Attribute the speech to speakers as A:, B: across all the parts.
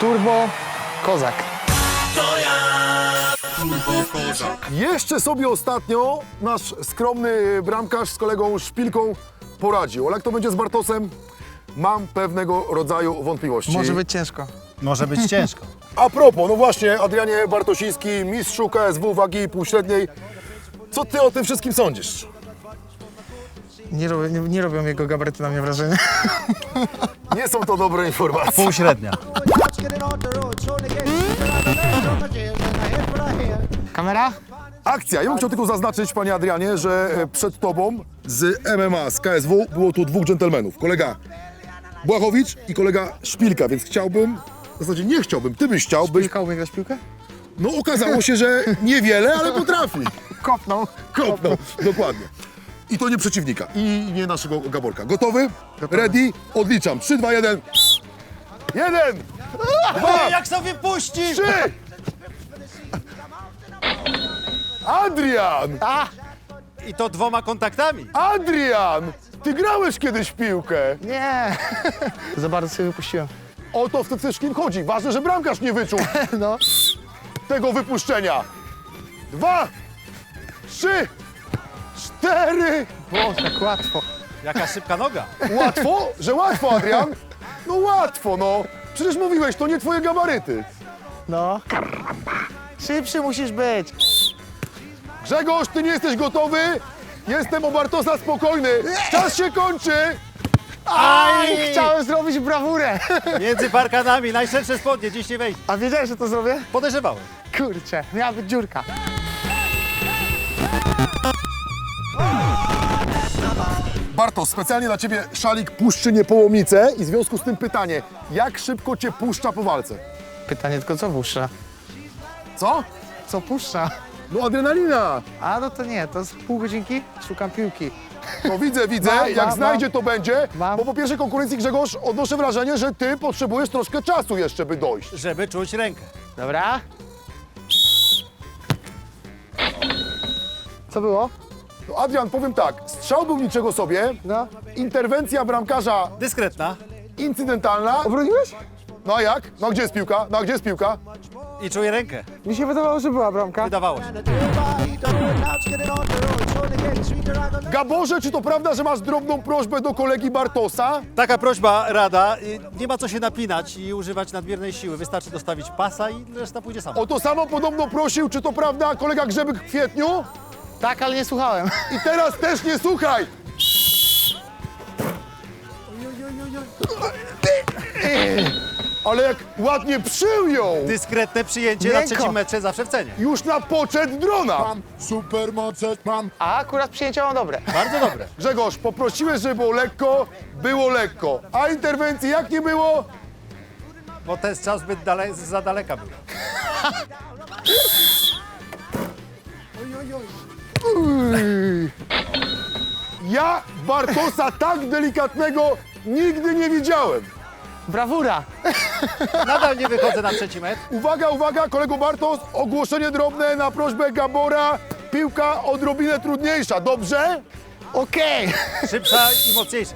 A: Turbo Kozak.
B: Jeszcze sobie ostatnio nasz skromny bramkarz z kolegą Szpilką poradził. Ale jak to będzie z Bartosem? Mam pewnego rodzaju wątpliwości.
A: Może być ciężko.
C: Może być ciężko.
B: A propos, no właśnie, Adrianie Bartosiński, mistrzu KSW wagi półśredniej. Co ty o tym wszystkim sądzisz?
A: Nie robią jego gabaryty na mnie wrażenia.
B: Nie są to dobre informacje.
C: Półśrednia.
A: Kamera?
B: Akcja. Ja bym chciał tylko zaznaczyć, panie Adrianie, że przed tobą z MMA, z KSW było tu dwóch dżentelmenów. Kolega Błachowicz i kolega Szpilka, więc chciałbym, w zasadzie nie chciałbym, ty byś chciał, byś...
A: Szpilka umie grać w piłkę?
B: No okazało się, że niewiele, ale potrafi.
A: Kopnął.
B: Kopnął, dokładnie. I to nie przeciwnika, i nie naszego Gaborka. Gotowy? Ready? Odliczam. 3, 2, 1. 1, 2,
C: Jak sobie puści!
B: 3. Adrian!
C: I to 2 kontaktami.
B: Adrian! Ty grałeś kiedyś w piłkę.
A: Nie. Za bardzo sobie wypuściłem.
B: O to w tym wszystkim chodzi. Ważne, że bramkarz nie wyczuł
A: No.
B: tego wypuszczenia. 2, 3, 4.
A: O, tak łatwo.
C: Jaka szybka noga.
B: Łatwo? Że łatwo, Adrian? No łatwo, no. Przecież mówiłeś, to nie twoje gabaryty.
A: No. Szybszy musisz być.
B: Grzegorz, ty nie jesteś gotowy? Jestem o Bartosa spokojny. Czas się kończy.
A: Aj! Chciałem zrobić brawurę.
C: Między parkanami, najszersze spodnie, dziś nie wejdzie.
A: A wiedziałeś, że to zrobię?
C: Podejrzewałem.
A: Kurczę, miała być dziurka.
B: Bartosz, specjalnie dla ciebie szalik puszczy Niepołomice i w związku z tym pytanie, jak szybko cię puszcza po walce?
A: Pytanie tylko, co puszcza?
B: Co?
A: Co puszcza?
B: No adrenalina.
A: A, no to nie, to z pół godzinki szukam piłki.
B: No widzę,
A: Mam,
B: jak
A: mam,
B: znajdzie to będzie,
A: Mam.
B: bo po pierwszej konkurencji, Grzegorz, odnoszę wrażenie, że ty potrzebujesz troszkę czasu jeszcze, by dojść.
C: Żeby czuć rękę.
A: Dobra. Co było?
B: No Adrian, powiem tak, strzał był niczego sobie,
A: No.
B: interwencja bramkarza
C: Dyskretna.
B: incydentalna.
A: Obroniłeś?
B: No a jak? No a gdzie jest piłka? No a gdzie jest piłka?
C: I czuję rękę.
A: Mi się wydawało, że była bramka.
C: Wydawało się.
B: Gaborze, czy to prawda, że masz drobną prośbę do kolegi Bartosa?
C: Taka prośba, rada. Nie ma co się napinać i używać nadmiernej siły. Wystarczy dostawić pasa i reszta pójdzie sama.
B: O to samo podobno prosił, czy to prawda, kolega Grzebyk w kwietniu?
A: Tak, ale nie słuchałem.
B: I teraz też nie słuchaj! Ale jak ładnie przyjął!
C: Dyskretne przyjęcie na
A: Miękko.
C: 3. metrze zawsze w cenie.
B: Już na poczet drona! Supermoce mam!
A: A akurat przyjęcia mam dobre.
C: Bardzo dobre.
B: Grzegorz, poprosiłeś, żeby było lekko. A interwencji jak nie było?
C: Bo ten strzał zbyt za daleka był.
B: Ja Bartosa tak delikatnego nigdy nie widziałem.
A: Brawura.
C: Nadal nie wychodzę na 3. metr.
B: Uwaga, uwaga, kolego Bartos, ogłoszenie drobne na prośbę Gabora. Piłka odrobinę trudniejsza, dobrze?
A: Okej.
C: Szybsza i mocniejsza.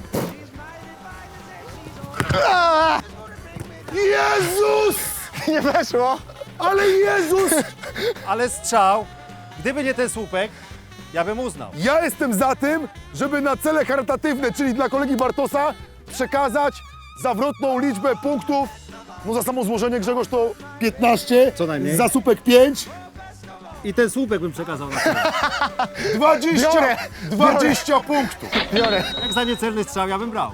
B: Jezus!
A: Nie weszło.
B: Ale Jezus!
C: Ale strzał, gdyby nie ten słupek, ja bym uznał.
B: Ja jestem za tym, żeby na cele charytatywne, czyli dla kolegi Bartosa, przekazać zawrotną liczbę punktów. No za samo złożenie, Grzegorz, to 15.
C: Co najmniej.
B: Za słupek 5.
C: I ten słupek bym przekazał na cel.
B: 20,
A: Biorę.
B: 20 punktów.
A: Biorę.
C: Jak za niecelny strzał, ja bym brał.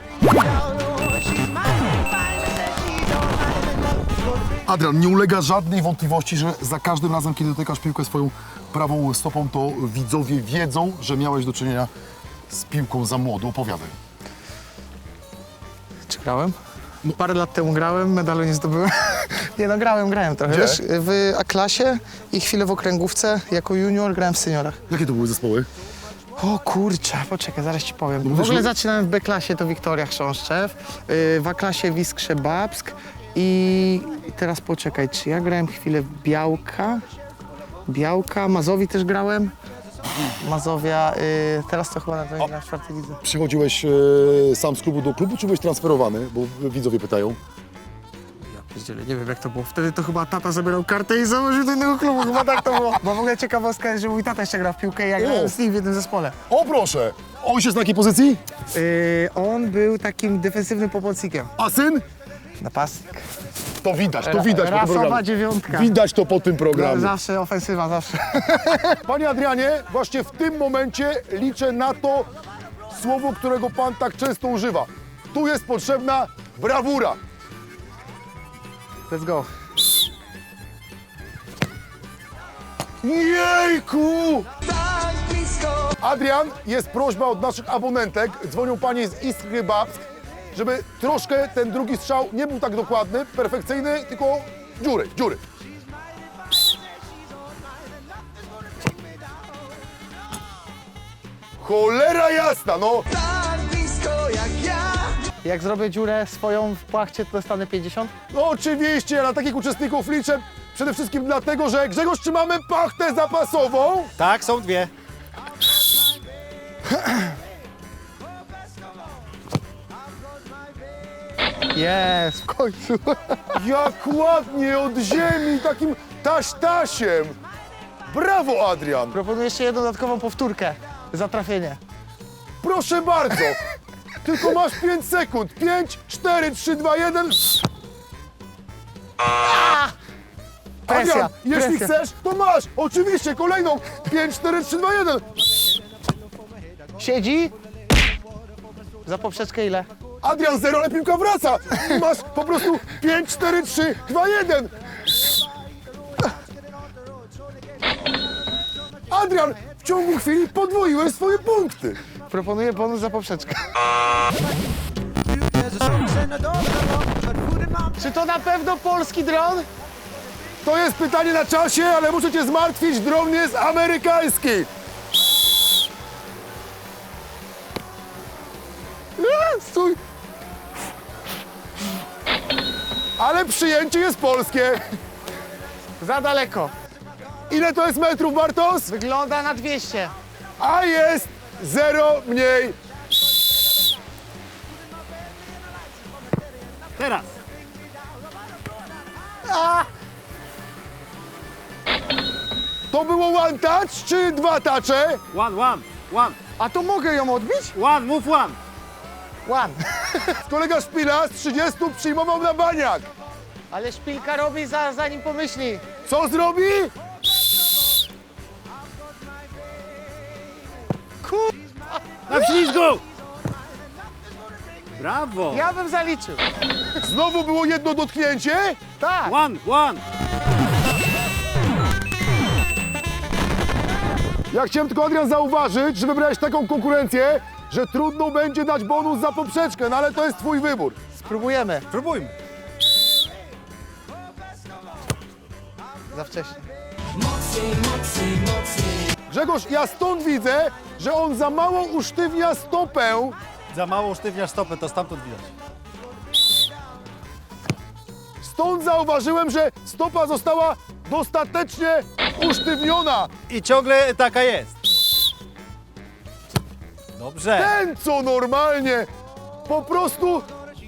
B: Adrian, nie ulega żadnej wątpliwości, że za każdym razem, kiedy dotykasz piłkę swoją prawą stopą, to widzowie wiedzą, że miałeś do czynienia z piłką za młodu. Opowiadaj.
A: Czy grałem? Parę lat temu grałem, medalu nie zdobyłem. Nie no, grałem trochę.
B: Gdzie?
A: Wiesz, w A-klasie i chwilę w okręgówce. Jako junior grałem w seniorach.
B: Jakie to były zespoły?
A: O kurczę, poczekaj, zaraz ci powiem. W
B: mówisz,
A: ogóle
B: że-
A: zaczynałem w B-klasie, to Wiktoria Chrząszczew, w A-klasie Wiskrze Babsk i teraz poczekaj, czy ja grałem chwilę w Białka, Mazowi też grałem. Mazowia, teraz to chyba na 4. lidze.
B: Przychodziłeś sam z klubu do klubu, czy byłeś transferowany? Bo widzowie pytają.
A: Pierdziele, nie wiem jak to było. Wtedy to chyba tata zabierał kartę i założył do innego klubu. Chyba tak to było. Bo w ogóle ciekawostka jest, że mój tata jeszcze gra w piłkę i ja grałem z nim w jednym zespole.
B: O proszę, ojciec na jakiej pozycji?
A: On był takim defensywnym pomocnikiem.
B: A syn?
A: Napastnik.
B: To widać po tym
A: Rasowa
B: programie.
A: dziewiątka.
B: Widać to po tym programie.
A: Zawsze ofensywa, zawsze.
B: Panie Adrianie, właśnie w tym momencie liczę na to słowo, którego pan tak często używa. Tu jest potrzebna brawura.
A: Let's go.
B: Jejku! Adrian, jest prośba od naszych abonentek, dzwonią panie z Iskry Babsk, żeby troszkę ten drugi strzał nie był tak dokładny, perfekcyjny, tylko dziury. Cholera jasna, no!
A: Jak zrobię dziurę swoją w płachcie, to dostanę 50?
B: No oczywiście, ja na takich uczestników liczę przede wszystkim dlatego, że Grzegorz, czy mamy pachtę zapasową?
C: Tak, są dwie.
A: Jest, w końcu.
B: Jak ładnie od ziemi, takim taś-tasiem. Brawo, Adrian.
A: Proponuję jeszcze jedną dodatkową powtórkę za trafienie.
B: Proszę bardzo. Tylko masz 5 sekund. 5, 4, 3, 2, 1.
A: Presja,
B: Adrian, jeśli
A: presja.
B: chcesz, to masz. Oczywiście, kolejną. 5, 4, 3, 2, 1.
A: Siedzi. Za poprzeczkę ile?
B: Adrian, 0, ale piłka wraca. Masz po prostu 5, 4, 3, 2, 1. Adrian, w ciągu chwili podwoiłeś swoje punkty.
A: Proponuję bonus za poprzeczkę. Czy to na pewno polski dron?
B: To jest pytanie na czasie, ale muszę cię zmartwić, dron jest amerykański.
A: Stój.
B: Ale przyjęcie jest polskie.
A: Za daleko.
B: Ile to jest metrów, Bartos?
A: Wygląda na 200.
B: A jest 0 mniej.
C: Teraz.
B: To było one touch czy 2 touche?
C: One.
A: A to mogę ją odbić?
C: Move one.
A: One.
B: Kolega Szpila z 30 przyjmował na baniak.
A: Ale szpilka robi zanim pomyśli.
B: Co zrobi?
C: Na ślizgu! Brawo!
A: Ja bym zaliczył.
B: Znowu było jedno dotknięcie.
A: Tak.
C: One.
B: Ja chciałem tylko, Adrian, zauważyć, że wybrałeś taką konkurencję, że trudno będzie dać bonus za poprzeczkę, no ale to jest twój wybór.
A: Spróbujemy.
C: Próbujmy.
A: Za wcześnie.
B: Grzegorz, ja stąd widzę, że on za mało usztywnia stopę.
C: Za mało sztywniasz stopę, to stamtąd widać.
B: Stąd zauważyłem, że stopa została dostatecznie usztywniona.
C: I ciągle taka jest. Dobrze.
B: Ten, co normalnie, po prostu...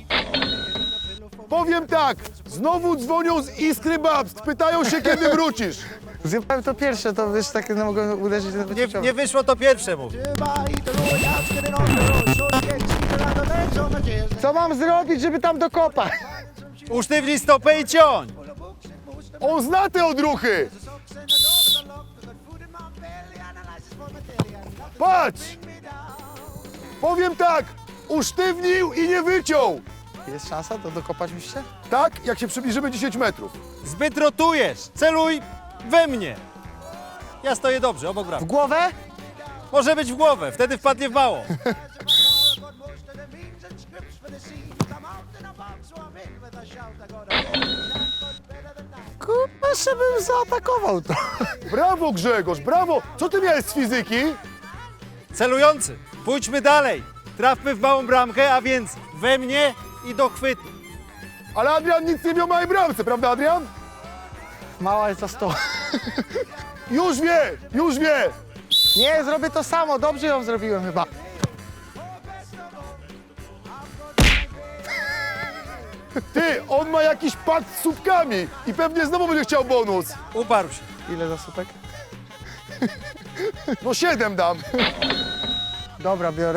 B: Powiem tak, znowu dzwonią z Iskry Babsk, pytają się, kiedy wrócisz.
A: Zjebałem to pierwsze, to wiesz, tak no, mogę uderzyć na
C: Nie wyszło to pierwsze, mówi.
A: Co mam zrobić, żeby tam dokopać?
C: Usztywnij stopę i ciąć.
B: On zna te odruchy. Patrz! Powiem tak, usztywnił i nie wyciął.
A: Jest szansa, to dokopać myślę?
B: Tak, jak się przybliżymy 10 metrów.
C: Zbyt rotujesz. Celuj we mnie. Ja stoję dobrze, obok
A: W
C: bram.
A: głowę?
C: Może być w głowę, wtedy wpadnie w mało.
A: Kurwa, żebym zaatakował to.
B: Brawo, Grzegorz, brawo. Co ty miałeś z fizyki?
C: Celujący. Pójdźmy dalej. Trafmy w małą bramkę, a więc we mnie i do chwytu.
B: Ale Adrian nic nie miał małej bramce, prawda, Adrian?
A: Mała jest za 100.
B: Już wie.
A: Nie, zrobię to samo, dobrze ją zrobiłem chyba.
B: Ty, on ma jakiś pakt z słupkami i pewnie znowu będzie chciał bonus.
C: Uparł się.
A: Ile za słupek?
B: No 7 dam.
A: Dobra, biorę.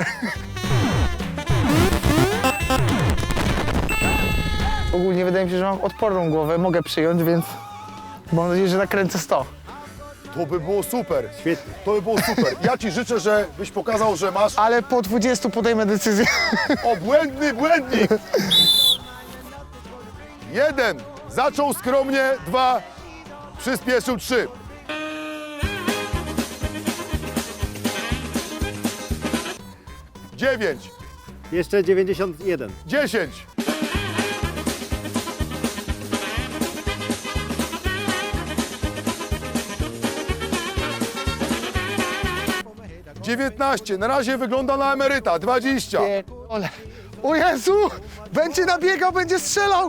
A: Ogólnie wydaje mi się, że mam odporną głowę, mogę przyjąć, więc mam nadzieję, że nakręcę 100.
B: To by było super.
C: Świetnie.
B: To by było super. Ja ci życzę, żebyś pokazał, że masz
A: Ale po 20 podejmę decyzję.
B: obłędny błędnik. 1. Zaczął skromnie. 2. Przyspieszył. 3. Dziewięć.
C: Jeszcze 91.
B: 10. 19. Na razie wygląda na emeryta. 20.
A: Ole. O Jezu! Będzie nabiegał, będzie strzelał!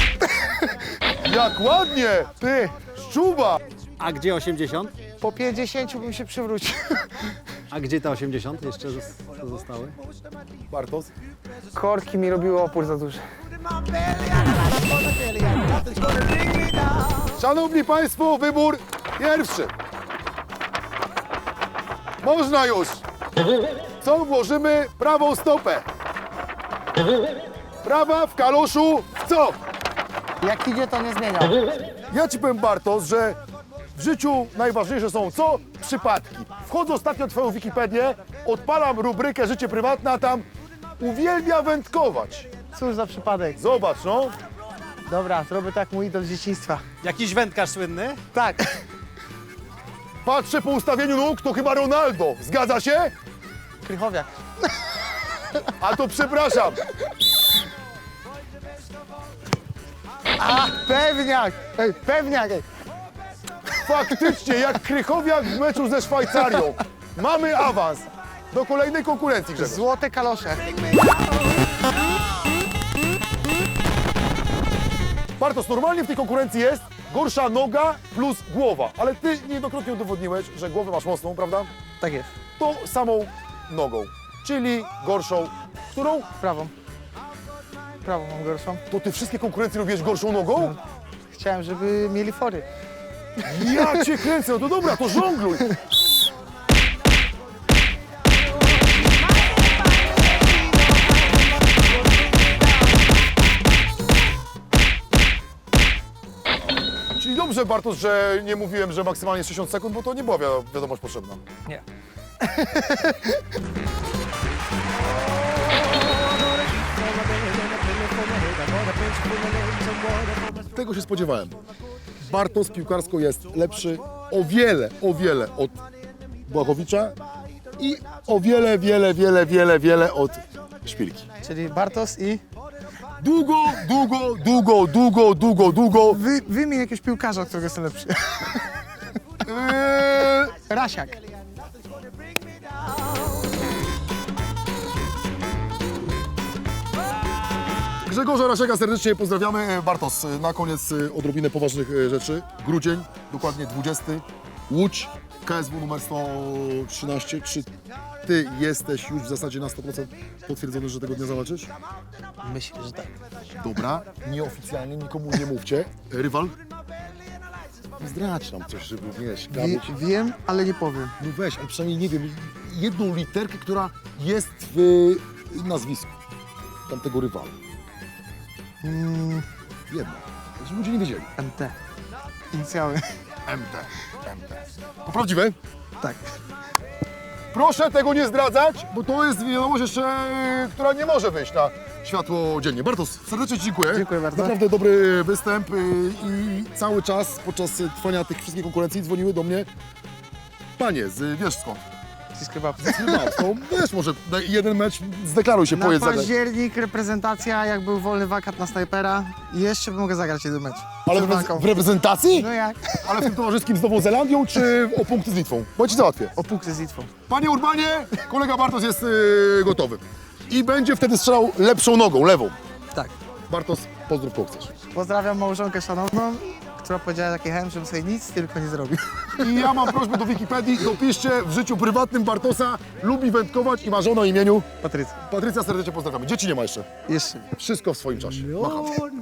B: Jak ładnie.
A: Ty,
B: Szczuba.
C: A gdzie 80?
A: po 50 bym się przywrócił.
C: A gdzie te 80 jeszcze zostały?
B: Bartos.
A: Korki mi robiły opór za duży.
B: Szanowni Państwo, wybór pierwszy. Można już. Co włożymy? Prawą stopę. Prawa w kaloszu w co?
A: Jak idzie, to nie zmienia.
B: Ja ci powiem, Bartos, że w życiu najważniejsze są co? Przypadki. Wchodzę ostatnio w twoją Wikipedię, odpalam rubrykę życie prywatne, a tam uwielbia wędkować.
A: Cóż za przypadek.
B: Zobacz, no.
A: Dobra, zrobię tak mój idol z dzieciństwa.
C: Jakiś wędkarz słynny?
A: Tak.
B: Patrzę po ustawieniu nóg, to chyba Ronaldo. Zgadza się?
A: Krychowiak.
B: A to przepraszam.
A: A, pewniak! Ej, pewniak! Ej.
B: Faktycznie, jak Krychowiak w meczu ze Szwajcarią. Mamy awans do kolejnej konkurencji, Grzegorz.
A: Złote kalosze.
B: Bartosz, normalnie w tej konkurencji jest gorsza noga plus głowa, ale ty niejednokrotnie udowodniłeś, że głowę masz mocną, prawda?
A: Tak jest.
B: To samą nogą, czyli gorszą. Którą?
A: Prawą. Prawą mam gorszą.
B: To ty wszystkie konkurencje robisz gorszą nogą?
A: Chciałem, żeby mieli fory.
B: Ja cię kręcę, no to dobra, to żongluj. Czyli dobrze, Bartosz, że nie mówiłem, że maksymalnie 60 sekund, bo to nie była wiadomość potrzebna.
A: Nie.
B: Tego się spodziewałem. Bartosz piłkarsko jest lepszy o wiele od Błachowicza i o wiele od Szpilki.
A: Czyli Bartos i...
B: Długo.
A: Wymień jakiegoś piłkarza, którego jest lepszy. Rasiak.
B: Grzegorza Rasiaka serdecznie pozdrawiamy. Bartosz, na koniec odrobinę poważnych rzeczy. Grudzień, dokładnie 20. Łódź, KSW numer 113. Czy ty jesteś już w zasadzie na 100% potwierdzony, że tego dnia zawalczysz?
A: Myślę, że tak.
B: Dobra, nieoficjalnie, nikomu nie mówcie. Rywal? Zdradź nam coś, żeby, wiesz,
A: Wiem, ale nie powiem.
B: no weź, ale przynajmniej, nie wiem, jedną literkę, która jest w nazwisku tamtego rywala. Jedna, żeby ludzie nie wiedzieli.
A: MT. Inicjały.
B: MT. To prawdziwe?
A: Tak.
B: Proszę tego nie zdradzać, bo to jest wiadomość jeszcze, która nie może wyjść na światło dziennie. Bartosz, serdecznie Ci dziękuję.
A: Dziękuję bardzo.
B: Naprawdę dobry występ i cały czas podczas trwania tych wszystkich konkurencji dzwoniły do mnie panie z, wiesz skąd? No, wiesz, może na jeden mecz zdeklaruj się,
A: Na
B: pojedź zagrać.
A: październik reprezentacja, jak był wolny wakat na snajpera. I jeszcze mogę zagrać jeden mecz.
B: Ale
A: Przed walką.
B: w reprezentacji?
A: No jak?
B: Ale w tym towarzyskim z Nową Zelandią, czy o punkty z Litwą? Bo Ci załatwię.
A: O punkty z Litwą.
B: Panie Urbanie, kolega Bartosz jest gotowy. I będzie wtedy strzelał lepszą nogą, lewą.
A: Tak.
B: Bartosz, pozdrów kogo chcesz.
A: Pozdrawiam małżonkę szanowną która powiedziała taki chęt, żebym sobie nic tylko nie zrobił.
B: I ja mam prośbę do Wikipedii, dopiszcie w życiu prywatnym Bartosa, lubi wędkować i ma żonę o imieniu
A: Patrycja,
B: Patrycja, serdecznie pozdrawiamy. Dzieci nie ma jeszcze.
A: jeszcze.
B: Wszystko w swoim czasie. Macham.